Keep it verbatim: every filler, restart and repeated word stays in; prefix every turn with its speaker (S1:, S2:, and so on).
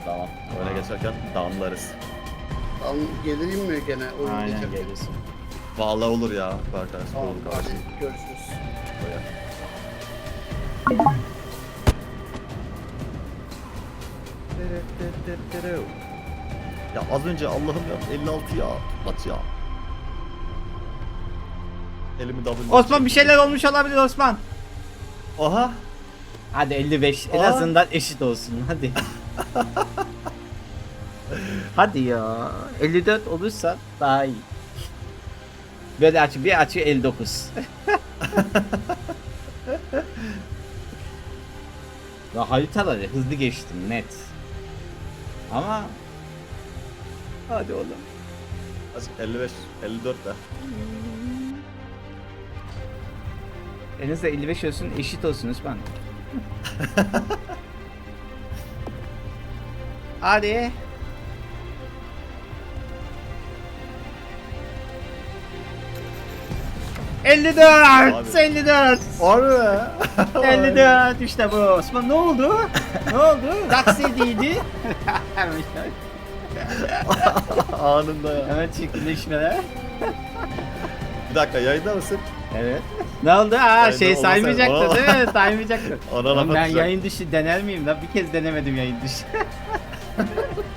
S1: Tamam. Öyle geçerken damlarız.
S2: Tamam, geleyim mi gene? Oyun
S3: Aynen
S2: geçerken?
S3: gelirsin.
S1: Vallahi olur ya. Berkay.
S2: Tamam,
S1: Olur
S2: hadi
S1: kardeşim.
S2: görüşürüz.
S1: Böyle. Ya az önce Allah'ım ya elli altı ya. At ya. Elimi W.
S3: Osman bir şeyler olmuş olabilir Osman.
S1: Aha.
S3: Hadi elli beş en
S1: Aa.
S3: azından eşit olsun hadi. Hadi ya elli dört olursa daha iyi. Böyle açı bir açı elli dokuz. Ya haritaları hızlı geçtim net. Ama hadi oğlum.
S1: elli beş, elli dört de.
S3: En azından elli beş olsun eşit olsun Osman. Hadi. elli dört,
S1: Abi.
S3: elli dört,
S1: Harbi.
S3: elli dört işte bu. Osman ne oldu? Ne oldu? Taksidiydi. Hemen işte.
S1: Anında ya.
S3: Hemen çirkinleşmeler.
S1: Bir dakika yayında mısın?
S3: Evet. Ne oldu? Aa
S1: Yayında
S3: şey
S1: olmasa-
S3: saymayacaktı
S1: Aa.
S3: değil mi? Saymayacaktı.
S1: Ona
S3: Oğlum
S1: laf
S3: ben
S1: atacak.
S3: yayın dışı dener miyim lan? Bir kez denemedim yayın dışı.